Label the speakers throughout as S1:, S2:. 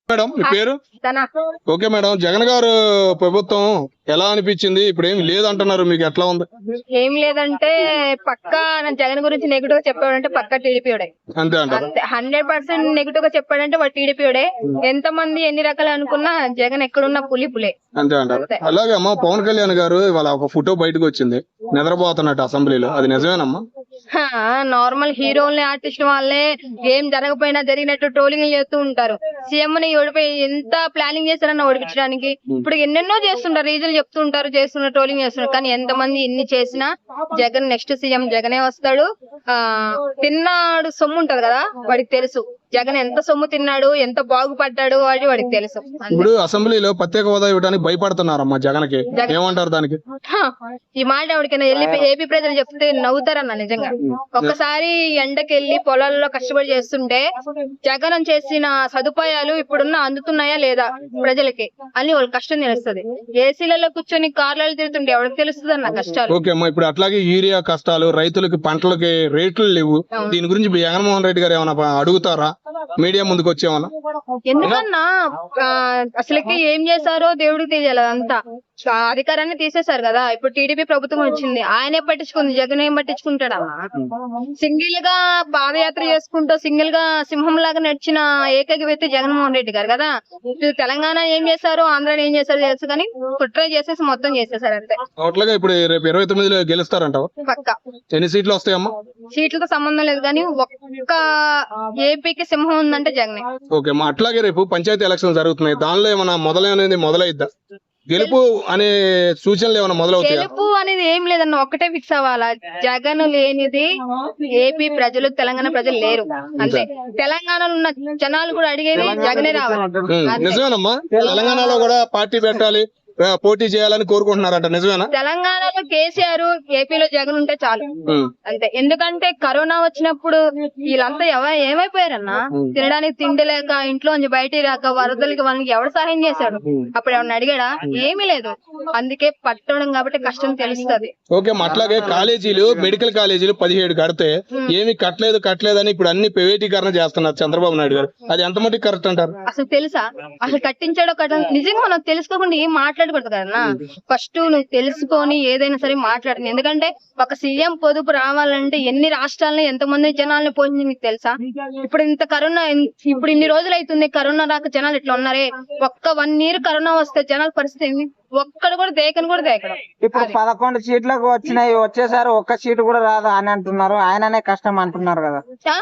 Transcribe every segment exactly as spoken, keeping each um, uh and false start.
S1: Madam మీ పేరు? Okay madam, Jagan గారు ప్రభుత్వం ఎలా అనిపించింది? ఇప్పుడు ఏమి లేదంటున్నారు, మీకు ఎట్లా ఉంది?
S2: ఏం లేదంటే పక్కా జగన్ గురించి నెగిటివ్ గా చెప్పాడంటే పక్కా టీడీపీడే.
S1: అంతే అంటారు?
S2: హండ్రెడ్ పర్సెంట్ నెగిటివ్ గా చెప్పాడంటే వాడు టీడీపీడే. ఎంత మంది ఎన్ని రకాలు అనుకున్నా జగన్ ఎక్కడున్నా పులి పులే.
S1: అంతే అంటారు. అలాగే అమ్మా, పవన్ కళ్యాణ్ గారు ఇవాళ ఒక ఫోటో బయటకు వచ్చింది నిద్రపోతున్నట్టు అసెంబ్లీలో, అది నిజమేనమ్మా?
S2: నార్మల్ హీరోల్ని ఆర్టిస్ట్ వాళ్ళే ఏం జరగపోయినా జరిగినట్టు ట్రోలింగ్ చేస్తూ ఉంటారు. సీఎం ని ఓడిపోయి ఎంత ప్లానింగ్ చేస్తారన్న ఓడిపించడానికి. ఇప్పుడు ఎన్నెన్నో చేస్తుంటారు, రీజన్ చెప్తూ ఉంటారు, చేస్తున్నారు, ట్రోలింగ్ చేస్తున్నారు. కానీ ఎంత మంది ఎన్ని చేసినా జగన్ నెక్స్ట్ సీఎం జగనే వస్తాడు. ఆ తిన్నాడు సొమ్ము ఉంటది కదా, వాడికి తెలుసు జగన్ ఎంత సొమ్ము తిన్నాడు, ఎంత బాగుపడ్డాడు వాడి వాడికి తెలుసు.
S1: ఇప్పుడు అసెంబ్లీలో ప్రత్యేక హోదా ఇవ్వడానికి భయపడుతున్నారమ్మా జగన్ కి, ఏమంటారు దానికి?
S2: ఈ మాట ఎవరికైనా వెళ్ళి ఏపీ ప్రజలు చెప్తే నవ్వుతారన్న నిజంగా. ఒక్కసారి ఎండకెళ్లి పొలాల్లో కష్టపడి చేస్తుంటే జగన్ చేసిన సదుపాయాలు ఇప్పుడున్న అందుతున్నాయా లేదా ప్రజలకి అని వాళ్ళకి కష్టం తెలుస్తుంది. ఏసీలలో కూర్చొని కార్లలో తిరుగుతుంటే ఎవరికి తెలుస్తుంది అన్న కష్టాలు.
S1: ఓకే అమ్మా, ఇప్పుడు అట్లాగే యూరియా కష్టాలు, రైతులకి పంటలకి రేట్లు లేవు, దీని గురించి జగన్మోహన్ రెడ్డి గారు ఏమైనా అడుగుతారా మీడియా ముందుకు వచ్చేమన్నా?
S2: ఎందుకన్నా అసలుకి ఏం చేశారో దేవుడికి తెలియాలి. అంతా అధికారాన్ని తీసేశారు కదా. ఇప్పుడు టీడీపీ ప్రభుత్వం వచ్చింది, ఆయనే పట్టించుకుంది, జగన్ ఏం పట్టించుకుంటాడా? సింగిల్ గా పాదయాత్ర చేసుకుంటూ సింగిల్ గా సింహం లాగా నడిచిన ఏకైక వ్యక్తి జగన్మోహన్ రెడ్డి గారు కదా. తెలంగాణ ఏం చేశారు, ఆంధ్రాని ఏం చేశారు తెలుసు, కానీ కుట్ర చేసేసి మొత్తం చేసేసారు అంతే.
S1: అట్లాగే ఇప్పుడు రేపు ఇరవై తొమ్మిదిలో గెలుస్తారంటావా?
S2: పక్కా.
S1: ఎన్ని సీట్లు వస్తాయమ్మా?
S2: సీట్లతో సంబంధం లేదు కానీ ఒక్క ఏపీకి సింహం ఉందంటే జగనే.
S1: ఓకే అమ్మా, అట్లాగే రేపు పంచాయతీ ఎలక్షన్ జరుగుతున్నాయి, దానిలో ఏమైనా మొదలైనది మొదలైద్దా? గెలుపు అనే సూచనలు ఏమైనా మొదలవుతాయి?
S2: గెలుపు అనేది ఏం లేదన్న ఒక్కటే ఫిక్స్ అవ్వాలా, జగన్ లేనిది ఏపీ ప్రజలు తెలంగాణ ప్రజలు లేరు అంతే. తెలంగాణలో ఉన్న జనాలు కూడా అడిగేది జగనే రావాలి.
S1: నిజమేనమ్మా, తెలంగాణలో కూడా పార్టీ పెట్టాలి, పోటీ చేయాలని కోరుకుంటున్నారంట, నిజమేనా?
S2: తెలంగాణలో కేసీఆర్, ఏపీలో జగన్ ఉంటే చాలు అంతే. ఎందుకంటే కరోనా వచ్చినప్పుడు వీళ్ళంతా ఎవ ఏమైపోయారన్నా, తినడానికి తిండి లేక ఇంట్లో నుంచి బయటికి రాక వరదలకి వాళ్ళకి ఎవరు సహాయం చేశాడు? అప్పుడు ఎవరిని అడిగాడా? ఏమీ లేదు. అందుకే పట్టడం కాబట్టి కష్టం తెలుస్తుంది.
S1: ఓకే, అట్లాగే కాలేజీలు, మెడికల్ కాలేజీలు పదిహేడు కడితే ఏమి కట్టలేదు కట్టలేదు అని ఇప్పుడు అన్ని ప్రైవేటీకరణ చేస్తున్నారు చంద్రబాబు నాయుడు గారు, అది ఎంత మటుకు కరెక్ట్ అంటారు?
S2: అసలు తెలుసా అసలు కట్టించాడో కట్ట నిజంగా మనం తెలుసుకోకుండా ఏం మాట్లాడకూడదు కదన్నా. ఫస్ట్ నువ్వు తెలుసుకొని ఏదైనా సరే మాట్లాడండి. ఎందుకంటే ఒక సీఎం పొదుపు రావాలంటే ఎన్ని రాష్ట్రాలని ఎంత మంది జనాలను పోయింది మీకు తెలుసా? ఇప్పుడు ఇంత కరోనా, ఇప్పుడు ఇన్ని రోజులు అవుతుంది కరోనా రాక జనాలు ఇట్లా ఉన్నారే. ఒక్క వన్ ఇయర్ కరోనా వస్తే జనాల పరిస్థితి ఒక్కడు కూడా దేకని కూడా దేకడం.
S3: ఇప్పుడు పదకొండు సీట్లకు వచ్చినాయి, వచ్చేసారి ఒక్క సీటు కూడా రాదు అని అంటున్నారు. ఆయననే కష్టం అంటున్నారు కదా.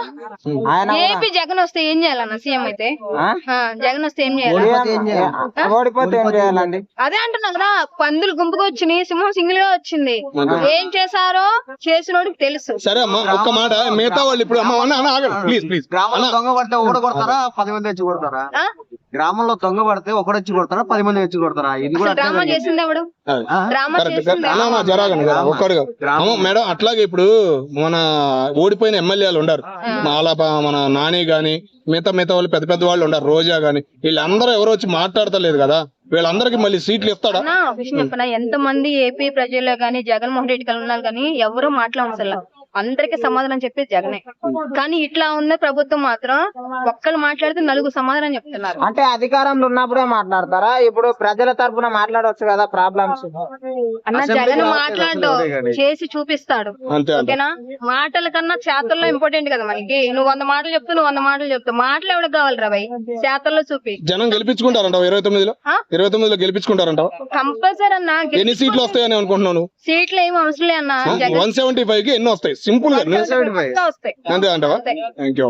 S2: ఏపీ జగన్ వస్తే ఏం చేయాలన్న? సీఎం అయితే జగన్ వస్తే ఏం చేయాలి?
S3: ఓడిపోతే ఏం చేయాలండి?
S2: అదే అంటున్నా కదా, పందులు గుంపుగా వచ్చినాయి, సింహం సింగిల్ గా వచ్చింది. ఏం చేశారో చేసినోడికి తెలుసు.
S1: సరే అమ్మా, ఒక్క మాట, మిగతా వాళ్ళు ఇప్పుడు ప్లీజ్ ప్లీజ్
S4: గ్రామంలో దొంగ పడితే ఒకటి కొడతారా, పది మంది వచ్చి కొడతారా? గ్రామంలో దొంగ పడితే ఒకటి వచ్చి కొడతారా, పది మంది వచ్చి కొడతారా? ఇది కూడా
S2: డ్రామా చేసింది ఎవడు? డ్రామా చేసింది
S1: మేడం. అట్లాగే ఇప్పుడు మన ఓడిపోయిన ఎమ్మెల్యేలు ఉన్నారు, మాలాప మన నాని గాని మిగతా మిగతా వాళ్ళు పెద్ద పెద్ద వాళ్ళు ఉన్నారు, రోజా గాని, వీళ్ళందరూ ఎవరు వచ్చి మాట్లాడతలేదు కదా, వీళ్ళందరికి మళ్ళీ సీట్లు ఇస్తాడా?
S2: చెప్పనా, ఎంత మంది ఏపీ ప్రజలు గాని జగన్మోహన్ రెడ్డి గారు ఉన్నారు కానీ ఎవరు మాట్లాడలేదు. అందరికి సమాధానం చెప్పేది జగనే. కానీ ఇట్లా ఉన్న ప్రభుత్వం మాత్రం ఒక్కరు మాట్లాడితే నలుగురు సమాధానం చెప్తున్నారు.
S3: అంటే అధికారంలో ఉన్నప్పుడే మాట్లాడతారా? ఇప్పుడు ప్రజల తరపున మాట్లాడవచ్చు కదా ప్రాబ్లమ్స్.
S2: అన్న జగన్ మాట్లాడు, చేసి చూపిస్తాడు. ఓకేనా, మాటల కన్నా చేతల్లో ఇంపార్టెంట్ కదా మనకి. నువ్వు వంద మాటలు చెప్తూ నువ్వు వంద మాటలు చెప్తావు, మాటలు ఎవరికి కావాలి రా భయ్? చేతల్లో చూపి.
S1: జనం గెలిపించుకుంటారంట ఇరవై తొమ్మిదిలో ఇరవై తొమ్మిదిలో గెలిపించుకుంటారంట
S2: కంపల్సరీ అన్న.
S1: ఎన్ని సీట్లు వస్తాయని అనుకుంటున్నాను?
S2: సీట్లు ఏమి అవసరం లే అన్న,
S1: వన్ సెవెంటీ ఫైవ్ కి ఎన్ని వస్తాయి? సింపుల్ గా
S2: వస్తాయి
S1: అంతే అంటావా? Thank you.